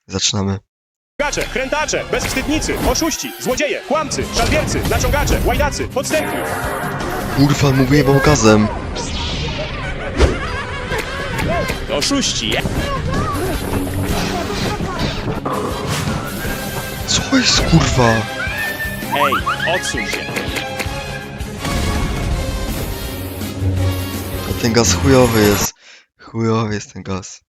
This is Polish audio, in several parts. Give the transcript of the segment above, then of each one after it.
Zaczynamy. Gacze, krętacze, bezwstydnicy, oszuści, złodzieje, kłamcy, szalwiercy, naciągacze, łajdacy, podstępni. Kurwa, mówię wam gazem. Oszuści. Co jest, kurwa? Ej, odsuń się. A ten gaz chujowy jest. Chujowy jest ten gaz.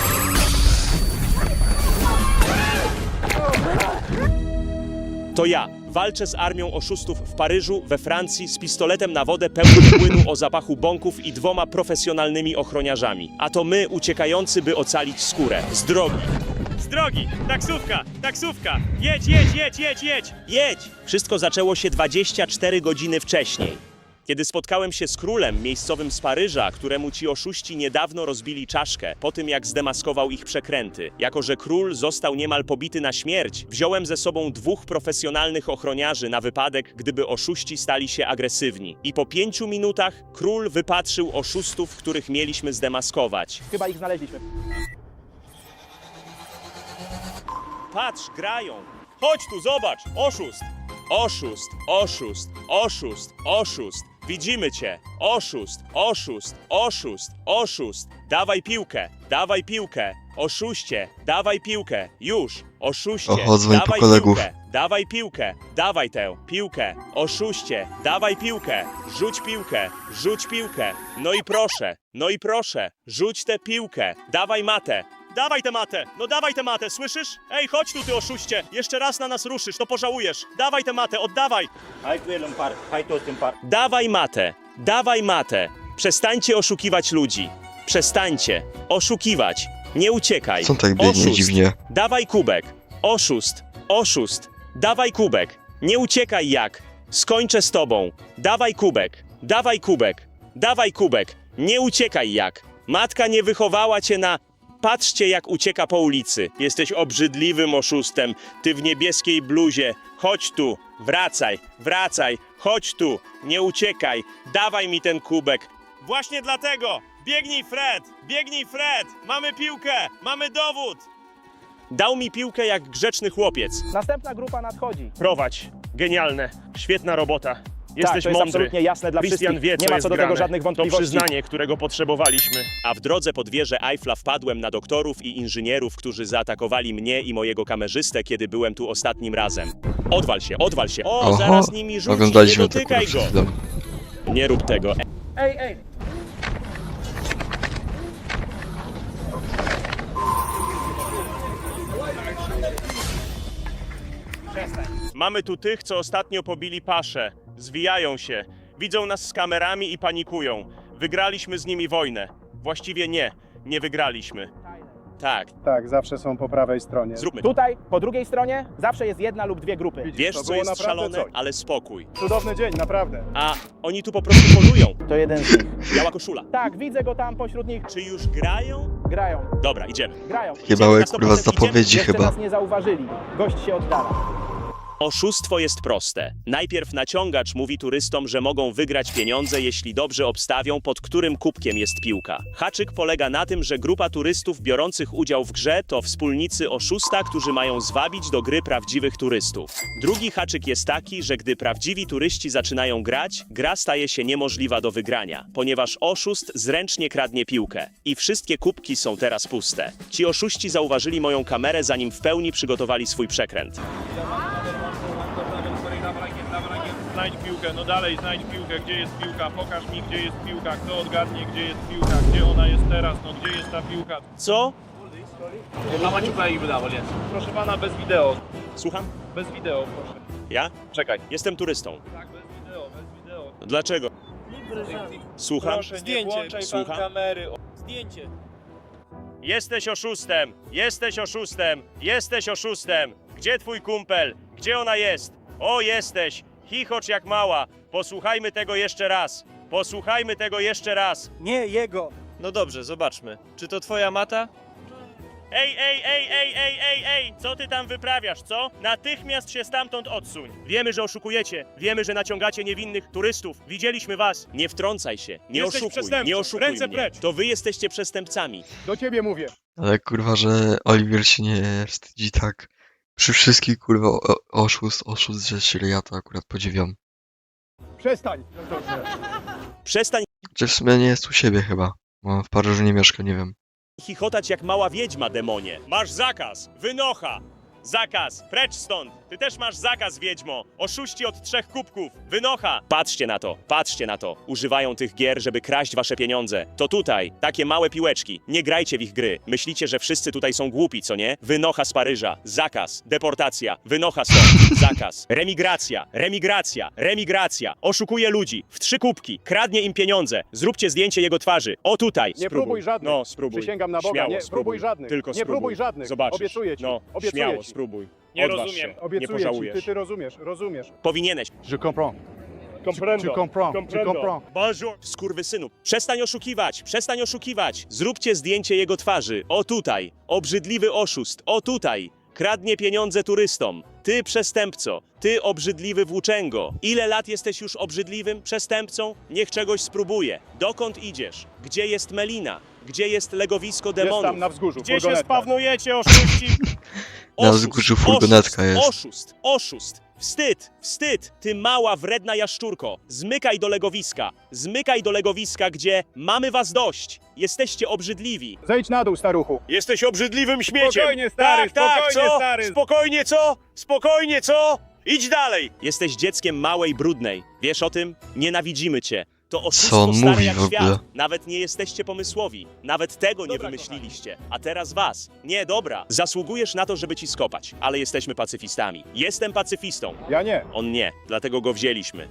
To ja walczę z armią oszustów w Paryżu, we Francji, z pistoletem na wodę pełnym płynu o zapachu bąków i 2 profesjonalnymi ochroniarzami. A to my, uciekający, by ocalić skórę. Z drogi. Z drogi! Taksówka! Taksówka! Jedź, jedź, jedź, jedź, jedź! Jedź! Wszystko zaczęło się 24 godziny wcześniej. Kiedy spotkałem się z królem miejscowym z Paryża, któremu ci oszuści niedawno rozbili czaszkę, po tym jak zdemaskował ich przekręty. Jako że król został niemal pobity na śmierć, wziąłem ze sobą 2 profesjonalnych ochroniarzy na wypadek, gdyby oszuści stali się agresywni. I po 5 minutach król wypatrzył oszustów, których mieliśmy zdemaskować. Chyba ich znaleźliśmy. Patrz, grają! Chodź tu, zobacz! Oszust! Oszust, oszust, oszust, oszust! Widzimy cię! Oszust, oszust, oszust, oszust! Dawaj piłkę! Oszuście, dawaj piłkę! Już! Oszuście, Oho, dzwoń po dawaj kolegów. piłkę! Dawaj piłkę! Dawaj tę piłkę! Oszuście, dawaj piłkę! Rzuć piłkę! No i proszę! Rzuć tę piłkę! Dawaj matę! Dawaj tę matę, słyszysz? Ej, chodź tu, ty oszuście! Jeszcze raz na nas ruszysz, to pożałujesz! Dawaj tę matę, oddawaj! Dawaj matę! Przestańcie oszukiwać ludzi! Przestańcie oszukiwać! Nie uciekaj! Co on tak biegnie Oszust. dziwnie? Dawaj kubek! Oszust! Dawaj kubek! Nie uciekaj jak! Skończę z tobą! Dawaj kubek! Nie uciekaj jak! Matka nie wychowała cię na... Patrzcie, jak ucieka po ulicy. Jesteś obrzydliwym oszustem. Ty w niebieskiej bluzie. Chodź tu. Wracaj. Chodź tu. Nie uciekaj. Dawaj mi ten kubek. Właśnie dlatego. Biegnij Fred. Mamy piłkę. Mamy dowód. Dał mi piłkę jak grzeczny chłopiec. Następna grupa nadchodzi. Prowadź. Genialne. Świetna robota. Tak, Jesteś to jest mądry. absolutnie jasne dla Christian wszystkich. wie, co Nie ma jest co do grane. tego żadnych To wątpliwości. przyznanie, którego potrzebowaliśmy. A w drodze pod wieżę Eiffla wpadłem na doktorów i inżynierów, którzy zaatakowali mnie i mojego kamerzystę, kiedy byłem tu ostatnim razem. Odwal się. O, Oho, zaraz nimi rzuci, nie oglądaliśmy to, dotykaj kurwa, go. przed chwilą. Nie rób tego. Ej! Mamy tu tych, co ostatnio pobili paszę. Zwijają się. Widzą nas z kamerami i panikują. Wygraliśmy z nimi wojnę. Właściwie nie wygraliśmy. Tak, Tak, zawsze są po prawej stronie. zróbmy to. Tutaj, po drugiej stronie, zawsze jest 1 lub 2 grupy. Wiesz, to co było jest naprawdę szalone, coś. ale spokój. Cudowny dzień, naprawdę. A oni tu po prostu polują. To jeden z nich. Biała koszula. Tak, widzę go tam pośród nich. Czy już grają? Grają. Dobra, idziemy. Chyba łeb, na 100% kurwa, z zapowiedzi Jeszcze chyba. nas nie zauważyli. Gość się oddala. Oszustwo jest proste. Najpierw naciągacz mówi turystom, że mogą wygrać pieniądze, jeśli dobrze obstawią, pod którym kubkiem jest piłka. Haczyk polega na tym, że grupa turystów biorących udział w grze to wspólnicy oszusta, którzy mają zwabić do gry prawdziwych turystów. Drugi haczyk jest taki, że gdy prawdziwi turyści zaczynają grać, gra staje się niemożliwa do wygrania, ponieważ oszust zręcznie kradnie piłkę. I wszystkie kubki są teraz puste. Ci oszuści zauważyli moją kamerę, zanim w pełni przygotowali swój przekręt. Znajdź piłkę, no dalej znajdź piłkę, gdzie jest piłka, pokaż mi gdzie jest piłka, kto odgadnie gdzie jest piłka, gdzie ona jest teraz, no gdzie jest ta piłka. Co? Proszę pana, bez wideo, Słucham? bez wideo proszę. Ja? Czekaj. Jestem turystą. Tak, bez wideo. Dlaczego? Słucham? Proszę, nie włączaj pan Słucham? kamery. Jesteś oszustem! Gdzie twój kumpel? Gdzie ona jest? O, jesteś! Chichocz jak mała! Posłuchajmy tego jeszcze raz! Nie, jego! No dobrze, zobaczmy. Czy to twoja mata? Ej, co ty tam wyprawiasz, co? Natychmiast się stamtąd odsuń. Wiemy, że oszukujecie, wiemy, że naciągacie niewinnych turystów. Widzieliśmy was. Nie wtrącaj się, nie Jesteś oszukuj, przestępcą. nie oszukuj Ręce mnie. precz. To wy jesteście przestępcami. Do ciebie mówię. Ale kurwa, że Oliver się nie wstydzi tak. Przy wszystkich kurwa oszust, że się ja to akurat podziwiam. Przestań. Przestań Czy w sumie nie jest u siebie chyba. Bo w Paryżu nie mieszka, nie wiem. chichotać jak mała wiedźma, demonie. Masz zakaz, wynocha. Zakaz, precz stąd. Ty też masz zakaz, wiedźmo. Oszuści od 3 kubków. Wynocha. Patrzcie na to. Używają tych gier, żeby kraść wasze pieniądze. To tutaj, takie małe piłeczki. Nie grajcie w ich gry. Myślicie, że wszyscy tutaj są głupi, co nie? Wynocha z Paryża. Zakaz. Deportacja. Wynocha stąd. Zakaz. Remigracja. Oszukuje ludzi. W 3 kubki. Kradnie im pieniądze. Zróbcie zdjęcie jego twarzy. O tutaj. Nie próbuj żadnych. No, spróbuj. Przysięgam na Boga, Śmiało, nie spróbuj. próbuj żadnych. Tylko Nie spróbuj. próbuj żadnych. Zobaczysz. Obiecuję ci. No, Obiecuję śmiało, ci. spróbuj. Nie Odważ rozumiem. się. Nie Obiecuję ci. pożałujesz. Ty rozumiesz. Powinieneś. Je comprends. Comprendo. Tu comprends. Bonjour. Skurwysynu. Przestań oszukiwać. Zróbcie zdjęcie jego twarzy. O tutaj. Obrzydliwy oszust. O tutaj. Kradnie pieniądze turystom. Ty przestępco. Ty obrzydliwy włóczęgo. Ile lat jesteś już obrzydliwym przestępcą? Niech czegoś spróbuje. Dokąd idziesz? Gdzie jest Melina? Gdzie jest legowisko Jest demonów? tam na wzgórzu. Gdzie się furgonetka. spawnujecie, oszuści? Na wzgórzu furgonetka jest. Oszust. Wstyd. Ty mała, wredna jaszczurko. Zmykaj do legowiska, gdzie mamy was dość. Jesteście obrzydliwi. Zejdź na dół, staruchu. Jesteś obrzydliwym śmieciem. Spokojnie, stary, spokojnie, co? Spokojnie, co? Idź dalej. Jesteś dzieckiem małej, brudnej. Wiesz o tym? Nienawidzimy cię. To Co oszustwo on stare mówi jak w ogóle? świat. Nawet nie jesteście pomysłowi. Nawet tego nie wymyśliliście. A teraz was. Nie, dobra. Zasługujesz na to, żeby ci skopać. Ale jesteśmy pacyfistami. Jestem pacyfistą. Ja nie. On nie. Dlatego go wzięliśmy.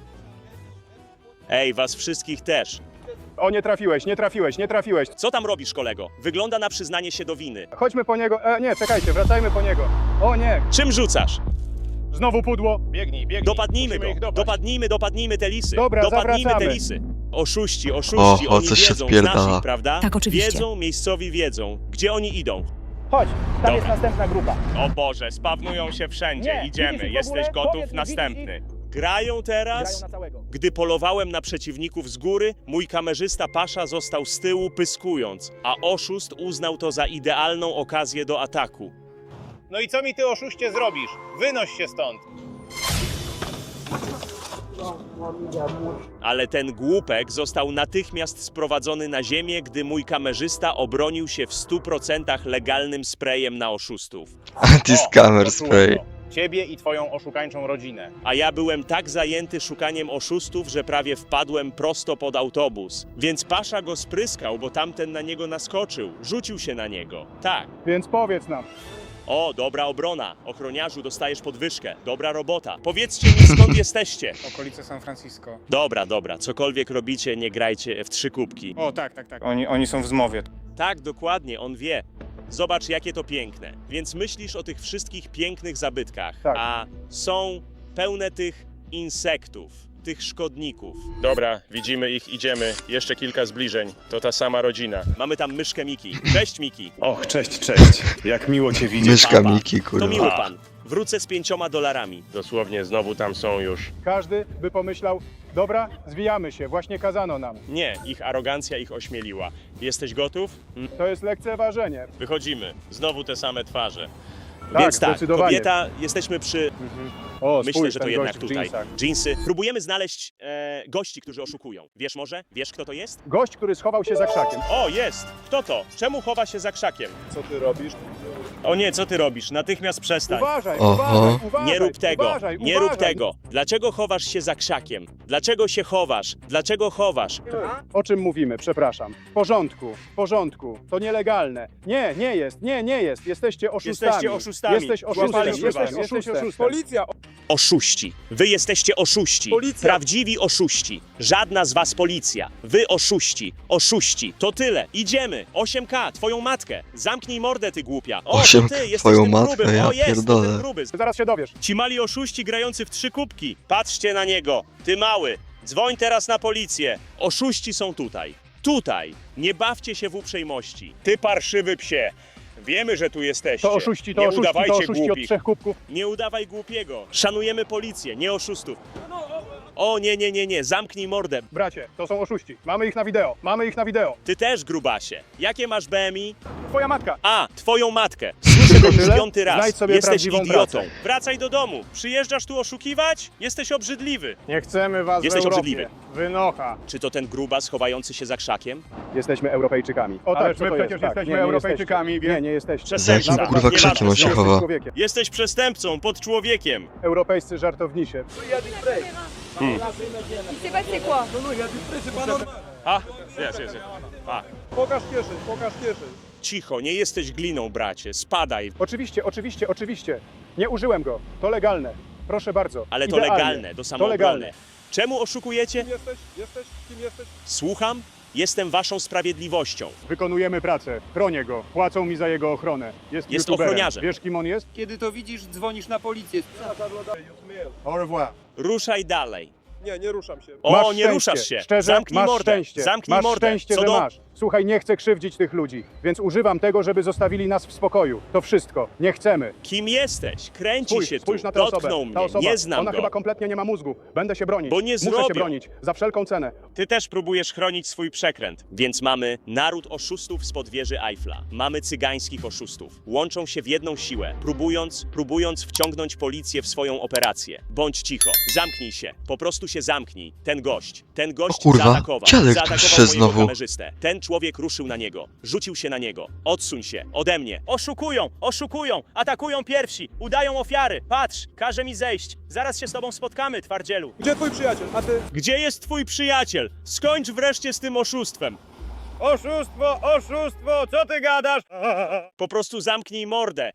Ej, was wszystkich też. O, nie trafiłeś. Co tam robisz, kolego? Wygląda na przyznanie się do winy. Chodźmy po niego. Nie, czekajcie, wracajmy po niego. O nie, Czym rzucasz? znowu pudło. Biegnij. Dopadnijmy Musimy go. ich dopaść. Dopadnijmy te lisy. Dobra, Dopadnijmy te zawracamy. lisy. Oszuści, Oho, oni coś się wiedzą, odpierdala. znasz ich, prawda? Tak, oczywiście. Wiedzą, miejscowi wiedzą. Gdzie oni idą? Chodź, tam Dobra. jest następna grupa. O Boże, spawnują się wszędzie. Nie, Idziemy. widzisz ich w Jesteś ogóle? gotów? Powiedz mi, Następny. widzisz Grają teraz? Grają na całego. Gdy polowałem na przeciwników z góry, mój kamerzysta Pasza został z tyłu pyskując, a oszust uznał to za idealną okazję do ataku. No i co mi ty, oszuście, zrobisz? Wynoś się stąd. Ale ten głupek został natychmiast sprowadzony na ziemię, gdy mój kamerzysta obronił się w 100% legalnym sprayem na oszustów. Anti-scammer spray. Ciebie i twoją oszukańczą rodzinę. A ja byłem tak zajęty szukaniem oszustów, że prawie wpadłem prosto pod autobus. Więc Pasza go spryskał, bo tamten na niego naskoczył. Rzucił się na niego. Tak. Więc powiedz nam. O, dobra obrona. Ochroniarzu, dostajesz podwyżkę. Dobra robota. Powiedzcie mi, skąd jesteście. Okolice San Francisco. Dobra. Cokolwiek robicie, nie grajcie w 3 kubki. O, tak. Oni są w zmowie. Tak, dokładnie, on wie. Zobacz, jakie to piękne. Więc myślisz o tych wszystkich pięknych zabytkach, Tak. a są pełne tych insektów, tych szkodników. Dobra, widzimy ich, idziemy. Jeszcze kilka zbliżeń. To ta sama rodzina. Mamy tam myszkę Miki. Cześć, Miki. Och, cześć. Jak miło cię widzieć. Myszka Papa. Miki, To kurwa. miły pan. Wrócę z $5. Dosłownie, znowu tam są już. Każdy by pomyślał, dobra, zwijamy się, właśnie kazano nam. Nie, ich arogancja ich ośmieliła. Jesteś gotów? To jest lekceważenie. Wychodzimy. Znowu te same twarze. Tak, Więc tak, zdecydowanie. kobieta, jesteśmy przy... O, Myślę, spójrz, że to ten jednak gość w tutaj. dżinsach. Dżinsy. Próbujemy znaleźć gości, którzy oszukują. Wiesz może? Wiesz, kto to jest? Gość, który schował się za krzakiem. O, jest! Kto to? Czemu chowa się za krzakiem? Co ty robisz? O nie, co ty robisz? Natychmiast przestań. Uważaj, Oho. uważaj. Nie rób tego, Uważaj, nie rób uważaj. tego. Dlaczego chowasz się za krzakiem? Dlaczego się chowasz? Dlaczego chowasz? O czym mówimy? Przepraszam. W porządku. To nielegalne. Nie jest. Jesteście oszustami. Jesteście oszustami. Jesteś oszustem. Złapaliśmy was. Jesteś oszustem. Policja! Oszuści. Wy jesteście oszuści. Policja. Prawdziwi oszuści. Żadna z was policja. Wy oszuści. Oszuści. To tyle. Idziemy. 8K, twoją matkę. Zamknij mordę, ty głupia. O, to 8K, ty, jesteś twoją tym matkę, grubym. ja O, jest, to pierdolę. ten gruby. Zaraz się dowiesz. Ci mali oszuści grający w 3 kubki. Patrzcie na niego. Ty mały. Dzwoń teraz na policję. Oszuści są tutaj. Tutaj. Nie bawcie się w uprzejmości. Ty parszywy psie. Wiemy, że tu jesteście. To oszuści, Nie od udawajcie głupich. 3 kubków. Nie udawaj głupiego. Szanujemy policję, nie oszustów. O, nie. Zamknij mordę. Bracie, to są oszuści. Mamy ich na wideo. Ty też, grubasie. Jakie masz BMI? Twoja matka. A, twoją matkę. Słyszę to już Tyle? 5. raz. Znajdź sobie Jesteś prawdziwą idiotą. pracę. Wracaj do domu. Przyjeżdżasz tu oszukiwać? Jesteś obrzydliwy. Nie chcemy was Jesteś w Europie. obrzydliwy. Wynocha. Czy to ten grubas chowający się za krzakiem? Jesteśmy Europejczykami. O Ależ tak, co my to przecież jest? Tak, jesteśmy nie, nie Europejczykami, jesteście. więc- Nie jesteście. Przestań. Za jakim Nawet kurwa nie krzakiem on się ważne. chowa? Człowiekiem. Jesteś przestępcą, pod człowiekiem. Europejscy żartownisie. Il s'est passé quoi? A, jest. A, Pokaż kieszeń. cicho, nie jesteś gliną, bracie. Spadaj. Oczywiście. Nie użyłem go. To legalne. Proszę bardzo. Ale to Idealnie. legalne, do samoobrony. legalne. Czemu oszukujecie? Kim jesteś? Słucham? Jestem waszą sprawiedliwością. Wykonujemy pracę. Chronię go. Płacą mi za jego ochronę. Jest youtuberem. ochroniarzem. Wiesz, kim on jest? Kiedy to widzisz, dzwonisz na policję. Au revoir. Ruszaj dalej. Nie ruszam się. O, Masz nie szczęście. ruszasz się. Szczerze, Zamknij masz mordę. szczęście. Zamknij masz mordę. szczęście, Co że do... masz. Słuchaj, nie chcę krzywdzić tych ludzi, więc używam tego, żeby zostawili nas w spokoju. To wszystko. Nie chcemy. Kim jesteś? Kręci się tu. Spójrz na tę Dotknął osobę. mnie. Ta osoba, Nie znam ona go. chyba kompletnie nie ma mózgu. Będę się bronić. Bo nie Muszę zrobią. się bronić. Za wszelką cenę. Ty też próbujesz chronić swój przekręt. Więc mamy naród oszustów spod wieży Eiffla. Mamy cygańskich oszustów. Łączą się w jedną siłę, próbując wciągnąć policję w swoją operację. Bądź cicho. Zamknij się. Po prostu się zamknij. Ten gość O kurwa, zaatakował. dziadek tu Zaatakował przyszedł mojego znowu. kamerzystę. Ten człowiek ruszył na niego. Rzucił się na niego. Odsuń się. Ode mnie. Oszukują. Atakują pierwsi. Udają ofiary. Patrz, każe mi zejść. Zaraz się z tobą spotkamy, twardzielu. Gdzie twój przyjaciel? A ty? Gdzie jest twój przyjaciel? Skończ wreszcie z tym oszustwem. Oszustwo, co ty gadasz? Po prostu zamknij mordę.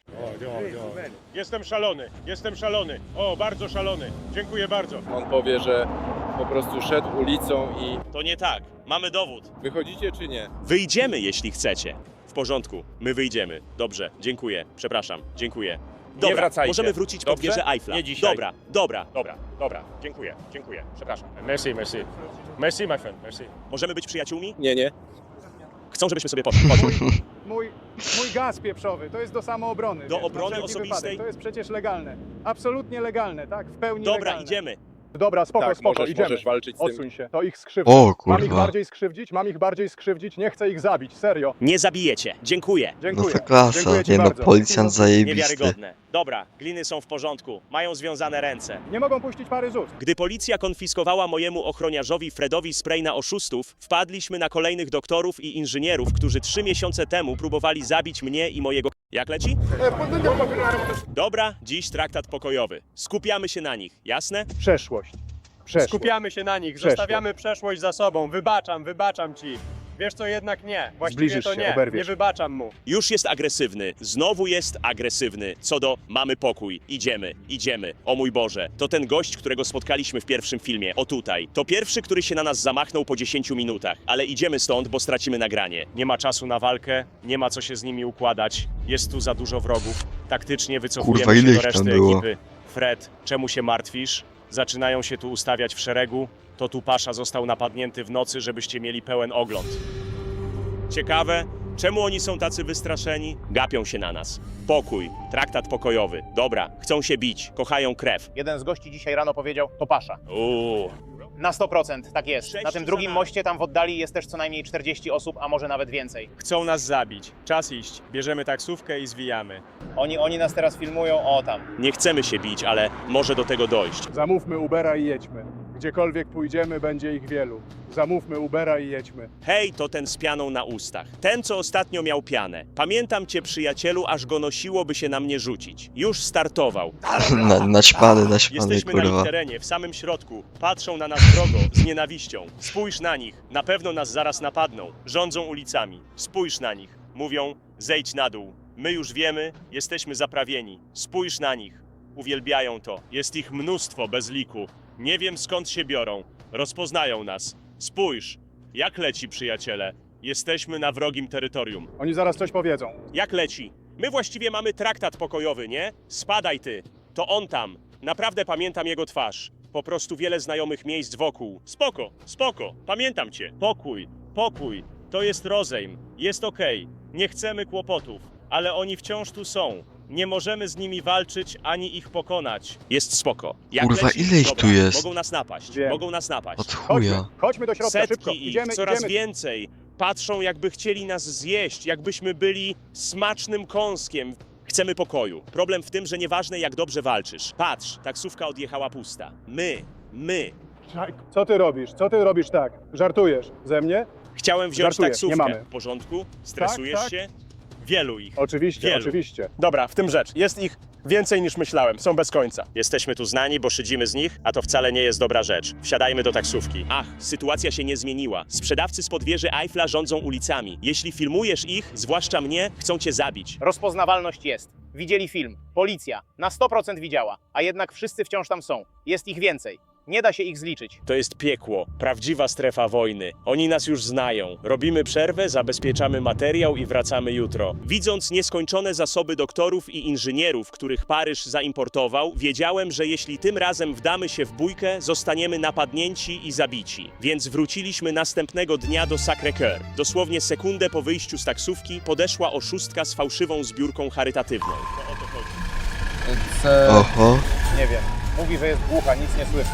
Jestem szalony. O, bardzo szalony. Dziękuję bardzo. On powie, że po prostu szedł ulicą i To nie tak. Mamy dowód. wychodzicie czy nie? Wyjdziemy, jeśli chcecie. W porządku. My wyjdziemy. Dobrze. Dziękuję. Przepraszam. Dziękuję. Dobra, wracajcie. możemy wrócić pod Dobrze? wieżę Eiffla. Nie dzisiaj. Dobra. Dziękuję. Przepraszam. Merci, my friend, merci. Możemy być przyjaciółmi? Nie. Chcą, żebyśmy sobie poszli. Chodź. Mój gaz pieprzowy, to jest do samoobrony. Do wiesz, obrony na wszelki osobistej? wypadek. To jest przecież legalne. Absolutnie legalne, tak? W pełni Dobra, legalne. idziemy. Dobra, spoko, Tak, idziemy. możesz walczyć z tym. Odsuń się, to ich skrzywdzi. O Mam ich bardziej skrzywdzić, nie chcę ich zabić, serio. Nie zabijecie. Dziękuję. No Dziękuję. to klasa, Dziękuję ci nie no, bardzo. policjant zajebisty. Niewiarygodne. Dobra, gliny są w porządku. Mają związane ręce. Nie mogą puścić pary z ust. Gdy policja konfiskowała mojemu ochroniarzowi Fredowi spray na oszustów, wpadliśmy na kolejnych doktorów i inżynierów, którzy 3 miesiące temu próbowali zabić mnie i mojego... Jak leci? Dobra, dziś traktat pokojowy. Skupiamy się na nich, jasne? Przeszłość. Skupiamy się na nich, Przeszłość. zostawiamy przeszłość za sobą. Wybaczam ci. Wiesz co, jednak nie. Właściwie Zbliżysz to się, nie. oberwiesz. Nie wybaczam mu. Już jest agresywny, znowu jest agresywny. Co do mamy pokój, idziemy. O mój Boże, to ten gość, którego spotkaliśmy w pierwszym filmie, o tutaj. To pierwszy, który się na nas zamachnął po 10 minutach, ale idziemy stąd, bo stracimy nagranie. Nie ma czasu na walkę, nie ma co się z nimi układać. Jest tu za dużo wrogów. Taktycznie wycofujemy Kurwa, ile się do ich tam reszty było? ekipy. Fred, czemu się martwisz? Zaczynają się tu ustawiać w szeregu. To tu Pasza został napadnięty w nocy, żebyście mieli pełen ogląd. Ciekawe, czemu oni są tacy wystraszeni? Gapią się na nas. Pokój, traktat pokojowy. Dobra, chcą się bić, kochają krew. Jeden z gości dzisiaj rano powiedział, to Pasza. Na 100%, tak jest. 6 Na tym za drugim nami. moście tam w oddali jest też co najmniej 40 osób, a może nawet więcej. Chcą nas zabić. Czas iść. Bierzemy taksówkę i zwijamy. Oni nas teraz filmują, o tam. Nie chcemy się bić, ale może do tego dojść. Zamówmy Ubera i jedźmy. Gdziekolwiek pójdziemy, będzie ich wielu. Zamówmy Ubera i jedźmy. Hej, to ten z pianą na ustach. Ten, co ostatnio miał pianę. Pamiętam cię, przyjacielu, aż go nosiłoby się na mnie rzucić. Już startował. Naćpany, Jesteśmy na ich kurwa. terenie, w samym środku. Patrzą na nas wrogo, z nienawiścią. Spójrz na nich, na pewno nas zaraz napadną. Rządzą ulicami. Spójrz na nich. Mówią, zejdź na dół. My już wiemy, jesteśmy zaprawieni. Spójrz na nich. Uwielbiają to. Jest ich mnóstwo bez liku. Nie wiem skąd się biorą. Rozpoznają nas. Spójrz. Jak leci, przyjaciele? Jesteśmy na wrogim terytorium. Oni zaraz coś powiedzą. Jak leci? My właściwie mamy traktat pokojowy, nie? Spadaj ty. To on tam. Naprawdę pamiętam jego twarz. Po prostu wiele znajomych miejsc wokół. Spoko. Pamiętam cię. Pokój. To jest rozejm. Jest okej. Nie chcemy kłopotów. ale oni wciąż tu są. Nie możemy z nimi walczyć, ani ich pokonać. Jest spoko. Jak Kurwa, leci? ile ich Dobra, tu jest? Mogą nas napaść, Wiem. mogą nas napaść. Od Chodźmy, chuja. chodźmy do środka, szybko. Setki ich, Idziemy, coraz idziemy. więcej. Patrzą, jakby chcieli nas zjeść, jakbyśmy byli smacznym kąskiem. Chcemy pokoju. Problem w tym, że nieważne jak dobrze walczysz. Patrz, taksówka odjechała pusta. My. Co ty robisz? Co ty robisz tak? Żartujesz ze mnie? Chciałem wziąć Żartuję, taksówkę. nie mamy. W porządku? Stresujesz Tak. się? Wielu ich. Oczywiście, Wielu. oczywiście. Dobra, w tym rzecz. Jest ich więcej niż myślałem. Są bez końca. Jesteśmy tu znani, bo szydzimy z nich, a to wcale nie jest dobra rzecz. Wsiadajmy do taksówki. Ach, sytuacja się nie zmieniła. Sprzedawcy spod wieży Eiffla rządzą ulicami. Jeśli filmujesz ich, zwłaszcza mnie, chcą cię zabić. Rozpoznawalność jest. Widzieli film. Policja. Na 100% widziała. A jednak wszyscy wciąż tam są. Jest ich więcej. Nie da się ich zliczyć. To jest piekło, prawdziwa strefa wojny. Oni nas już znają. Robimy przerwę, zabezpieczamy materiał i wracamy jutro. Widząc nieskończone zasoby doktorów i inżynierów, których Paryż zaimportował, wiedziałem, że jeśli tym razem wdamy się w bójkę, zostaniemy napadnięci i zabici. Więc wróciliśmy następnego dnia do Sacré-Cœur. Dosłownie sekundę po wyjściu z taksówki podeszła oszustka z fałszywą zbiórką charytatywną. To o to chodzi. Oho. Nie wiem. Mówi, że jest głucha, nic nie słyszy.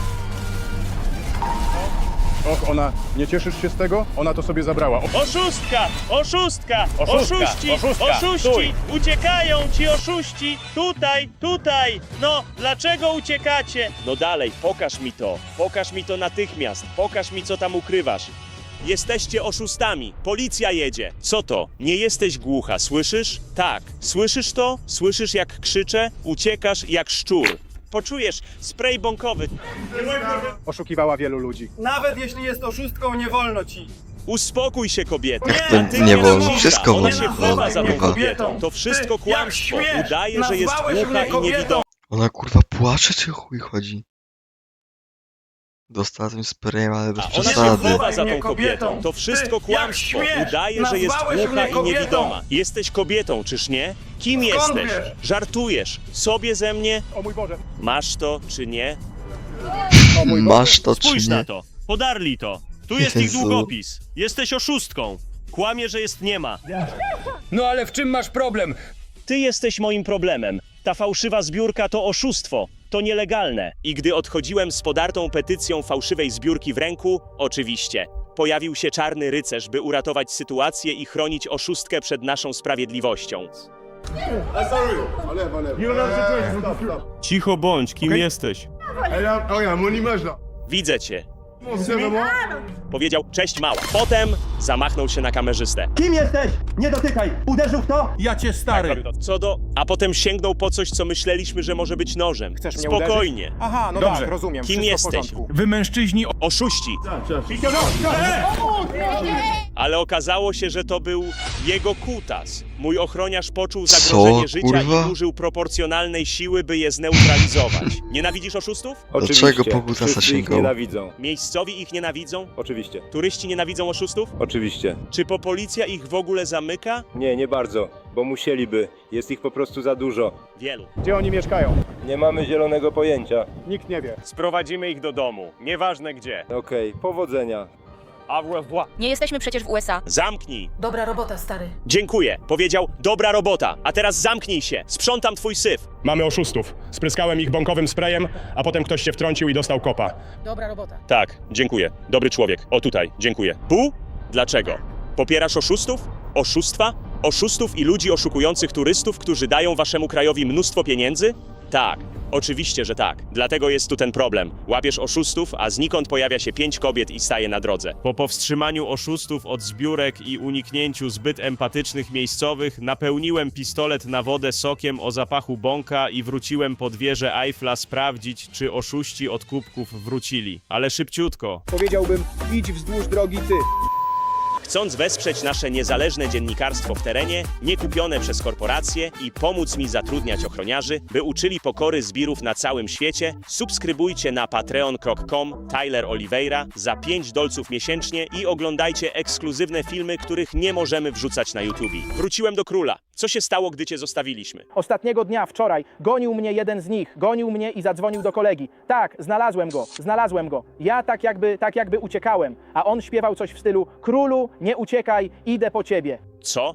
Och, ona, nie cieszysz się z tego? Ona to sobie zabrała. Oszustka! Oszustka! Oszustka! Oszuści! Oszustka! Oszuści! Stój! Uciekają ci oszuści! Tutaj! No, dlaczego uciekacie? No dalej, pokaż mi to. Pokaż mi to natychmiast. Pokaż mi, co tam ukrywasz. Jesteście oszustami. Policja jedzie. Co to? Nie jesteś głucha, słyszysz? Tak. Słyszysz to? Słyszysz, jak krzyczę? Uciekasz jak szczur. Poczujesz spray bąkowy. Oszukiwała wielu ludzi. Nawet jeśli jest oszustką, nie wolno ci. Uspokój się, kobieto. Jak to Natychmiast nie wolno? cisza. Wszystko Ona wolno. się chowa za tą Kurwa. kobietą. To wszystko Ty, jak kłamstwo. śmiesz? Udaje, że jest Nazwałeś głucha mnie i kobietą. niewidoma. Ona kurwa płacze, czy chuj chodzi? Dostała tym sprayem, ale bez A ona się przesady. chowa za tą Mnie kobietą. kobietą. To wszystko Ty, jak kłamstwo. śmiesz? Udaje, że jest Nazwałeś głucha mnie i kobietą. niewidoma. Jesteś kobietą, czyż nie? Kim Skąd jesteś? wiesz? Żartujesz. Sobie ze mnie? O mój Boże. Masz to, czy nie? O mój Boże. Masz to czy Spójrz nie? na to. Podarli to. Tu jest ich Jezu. długopis. Jesteś oszustką. Kłamie, że jest nie ma. No ale w czym masz problem? Ty jesteś moim problemem. Ta fałszywa zbiórka to oszustwo. To nielegalne. I gdy odchodziłem z podartą petycją fałszywej zbiórki w ręku, oczywiście, pojawił się czarny rycerz, by uratować sytuację i chronić oszustkę przed naszą sprawiedliwością. Cicho bądź, kim jesteś? Widzę cię. Powiedział, cześć mała. Potem zamachnął się na kamerzystę. Kim jesteś? Nie dotykaj! Uderzył w to? Ja cię stary! Co do... A potem sięgnął po coś, co myśleliśmy, że może być nożem. Chcesz mnie Spokojnie. Aha, no Dobrze. tak, rozumiem. Kim Wszystko w jesteś? porządku. Wy mężczyźni Oszuści. Ale okazało się, że to był jego kutas. Mój ochroniarz poczuł zagrożenie Co, życia kurwa? i użył proporcjonalnej siły, by je zneutralizować. Nienawidzisz oszustów? Dlaczego po kutasa sięgał? nienawidzą. Miejscowi ich nienawidzą? Oczywiście. Turyści nienawidzą oszustów? Oczywiście. Czy policja ich w ogóle zamyka? Nie, nie bardzo, bo musieliby. Jest ich po prostu za dużo. Wielu. Gdzie oni mieszkają? Nie mamy zielonego pojęcia. Nikt nie wie. Sprowadzimy ich do domu. Nieważne gdzie. Okej, powodzenia. Au revoir. Nie jesteśmy przecież w USA. Zamknij. Dobra robota, stary. Dziękuję. Powiedział, dobra robota. A teraz zamknij się. Sprzątam twój syf. Mamy oszustów. Spryskałem ich bąkowym sprayem, a potem ktoś się wtrącił i dostał kopa. Dobra robota. Tak, dziękuję. Dobry człowiek. O tutaj, dziękuję. Bu? Dlaczego? Popierasz oszustów? Oszustwa? Oszustów i ludzi oszukujących turystów, którzy dają waszemu krajowi mnóstwo pieniędzy? Tak, oczywiście, że tak. Dlatego jest tu ten problem. Łapiesz oszustów, a znikąd pojawia się 5 kobiet i staje na drodze. Po powstrzymaniu oszustów od zbiórek i uniknięciu zbyt empatycznych miejscowych, napełniłem pistolet na wodę sokiem o zapachu bąka i wróciłem pod wieżę Eiffla sprawdzić, czy oszuści od kubków wrócili. Ale szybciutko. Powiedziałbym, idź wzdłuż drogi ty. Chcąc wesprzeć nasze niezależne dziennikarstwo w terenie, nie kupione przez korporacje i pomóc mi zatrudniać ochroniarzy, by uczyli pokory zbirów na całym świecie, subskrybujcie na patreon.com Tyler Oliveira za $5 miesięcznie i oglądajcie ekskluzywne filmy, których nie możemy wrzucać na YouTube. Wróciłem do króla. Co się stało, gdy cię zostawiliśmy? Ostatniego dnia, wczoraj, gonił mnie jeden z nich. Gonił mnie i zadzwonił do kolegi. Tak, znalazłem go. Ja tak jakby uciekałem. A on śpiewał coś w stylu: królu, nie uciekaj, idę po ciebie. Co?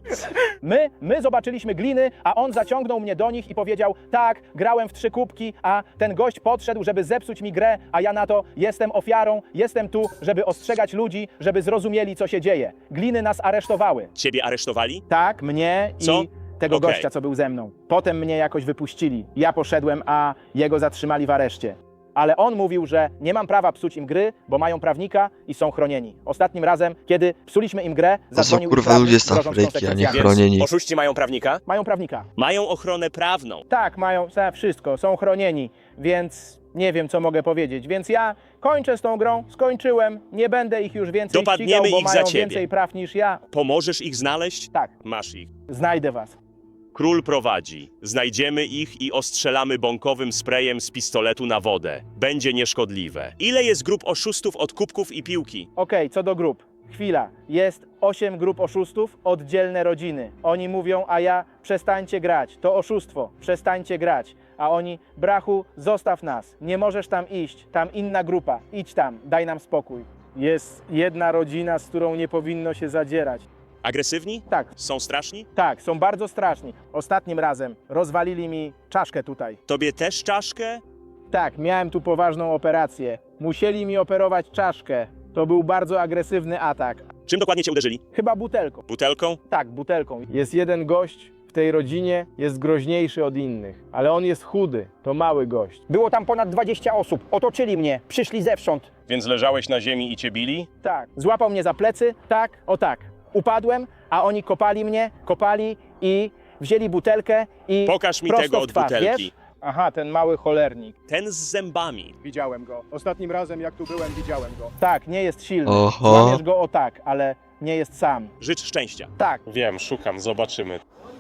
My zobaczyliśmy gliny, a on zaciągnął mnie do nich i powiedział, tak, grałem w 3 kubki, a ten gość podszedł, żeby zepsuć mi grę, a ja na to, jestem ofiarą, jestem tu, żeby ostrzegać ludzi, żeby zrozumieli, co się dzieje. Gliny nas aresztowały. Ciebie aresztowali? Tak, mnie Co? i tego Okej. gościa, co był ze mną. Potem mnie jakoś wypuścili. Ja poszedłem, a jego zatrzymali w areszcie. Ale on mówił, że nie mam prawa psuć im gry, bo mają prawnika i są chronieni. Ostatnim razem, kiedy psuliśmy im grę, To są zadzwonił ich kurwa prawnik, ludzie z grożąc Afryki, a nie konsekwencjami. chronieni. Oszuści mają prawnika? Mają prawnika. Mają ochronę prawną. Tak, mają wszystko, są chronieni, więc nie wiem, co mogę powiedzieć. Więc ja kończę z tą grą, skończyłem, nie będę ich już więcej Dopadniemy ścigał, bo ich za mają ciebie. więcej praw niż ja. Pomożesz ich znaleźć? Tak, Masz ich. znajdę was. Król prowadzi. Znajdziemy ich i ostrzelamy bąkowym sprayem z pistoletu na wodę. Będzie nieszkodliwe. Ile jest grup oszustów od kubków i piłki? Okej, co do grup. Chwila. Jest 8 grup oszustów, oddzielne rodziny. Oni mówią, a ja przestańcie grać. To oszustwo. Przestańcie grać. A oni, brachu, zostaw nas. Nie możesz tam iść. Tam inna grupa. Idź tam. Daj nam spokój. Jest jedna rodzina, z którą nie powinno się zadzierać. Agresywni? Tak, Są straszni? tak, są bardzo straszni. Ostatnim razem rozwalili mi czaszkę tutaj. Tobie też czaszkę? Tak, miałem tu poważną operację. Musieli mi operować czaszkę. To był bardzo agresywny atak. Czym dokładnie cię uderzyli? Chyba butelką. Butelką? Tak, butelką. Jest jeden gość w tej rodzinie, jest groźniejszy od innych, ale on jest chudy, to mały gość. Było tam ponad 20 osób, otoczyli mnie, przyszli zewsząd. Więc leżałeś na ziemi i cię bili? Tak, złapał mnie za plecy, tak, o tak. Upadłem, a oni kopali mnie, kopali i wzięli butelkę i Pokaż mi prosto tego w od twarz, butelki. wiesz? Aha, ten mały cholernik. Ten z zębami. Widziałem go. Ostatnim razem, jak tu byłem, widziałem go. Tak, nie jest silny. Oho. Złamiesz go o tak, ale nie jest sam. Życz szczęścia. Tak, Wiem, szukam, zobaczymy.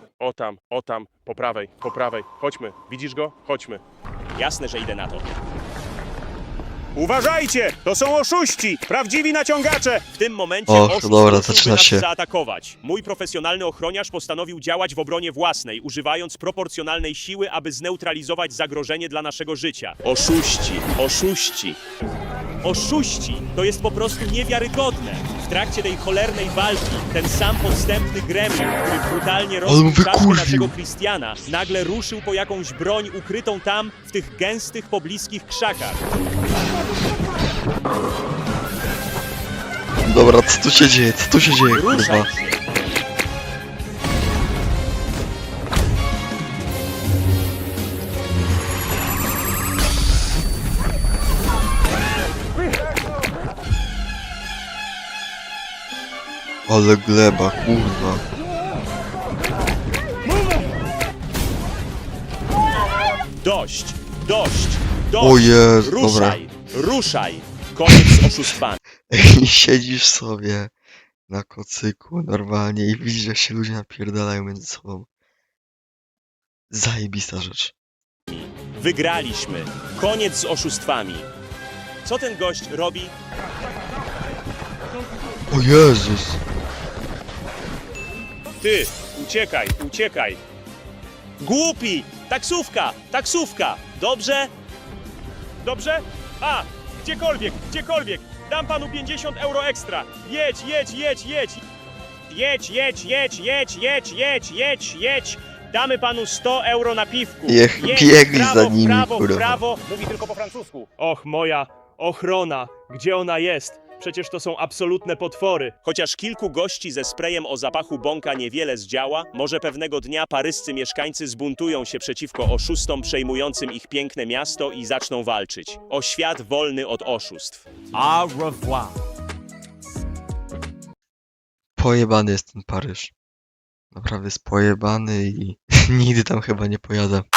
O tam, po prawej, po prawej. Chodźmy. Widzisz go? Chodźmy. Jasne, że idę na to. Uważajcie! To są oszuści! Prawdziwi naciągacze! W tym momencie Och, oszust dobra, ruszyłby zaczyna nas się. zaatakować. Mój profesjonalny ochroniarz postanowił działać w obronie własnej, używając proporcjonalnej siły, aby zneutralizować zagrożenie dla naszego życia. Oszuści, oszuści. Oszuści! To jest po prostu niewiarygodne. W trakcie tej cholernej walki ten sam podstępny gremlin, który brutalnie mu rozbił czaszkę wykurwił. naszego Christiana, nagle ruszył po jakąś broń ukrytą tam, w tych gęstych, pobliskich krzakach. Dobra, co tu się dzieje? Co tu się dzieje, kurwa? Ruszaj się! Ale gleba, kurwa. Dość! Dość! Dość! O Jezu, dobra. Ruszaj! Ruszaj! Koniec z oszustwami. I siedzisz sobie na kocyku normalnie i widzisz, jak się ludzie napierdalają między sobą. Zajebista rzecz. Wygraliśmy. Koniec z oszustwami. Co ten gość robi? O Jezus! Ty! Uciekaj! Uciekaj! Głupi! Taksówka! Taksówka! Dobrze? Dobrze? A! Gdziekolwiek! Gdziekolwiek! Dam panu 50 euro ekstra! Jedź, jedź, jedź, jedź! Jedź, jedź, jedź, jedź, jedź, jedź, jedź, jedź! Damy panu 100 euro na piwku! Niech Jedź, biegli w prawo, za nimi, w prawo, kurwa. w prawo! Mówi tylko po francusku. Och, moja ochrona! Gdzie ona jest? Przecież to są absolutne potwory. Chociaż kilku gości ze sprayem o zapachu bąka niewiele zdziała, może pewnego dnia paryscy mieszkańcy zbuntują się przeciwko oszustom przejmującym ich piękne miasto i zaczną walczyć. O świat wolny od oszustw. Au revoir. Pojebany jest ten Paryż. Naprawdę jest pojebany i nigdy tam chyba nie pojadę.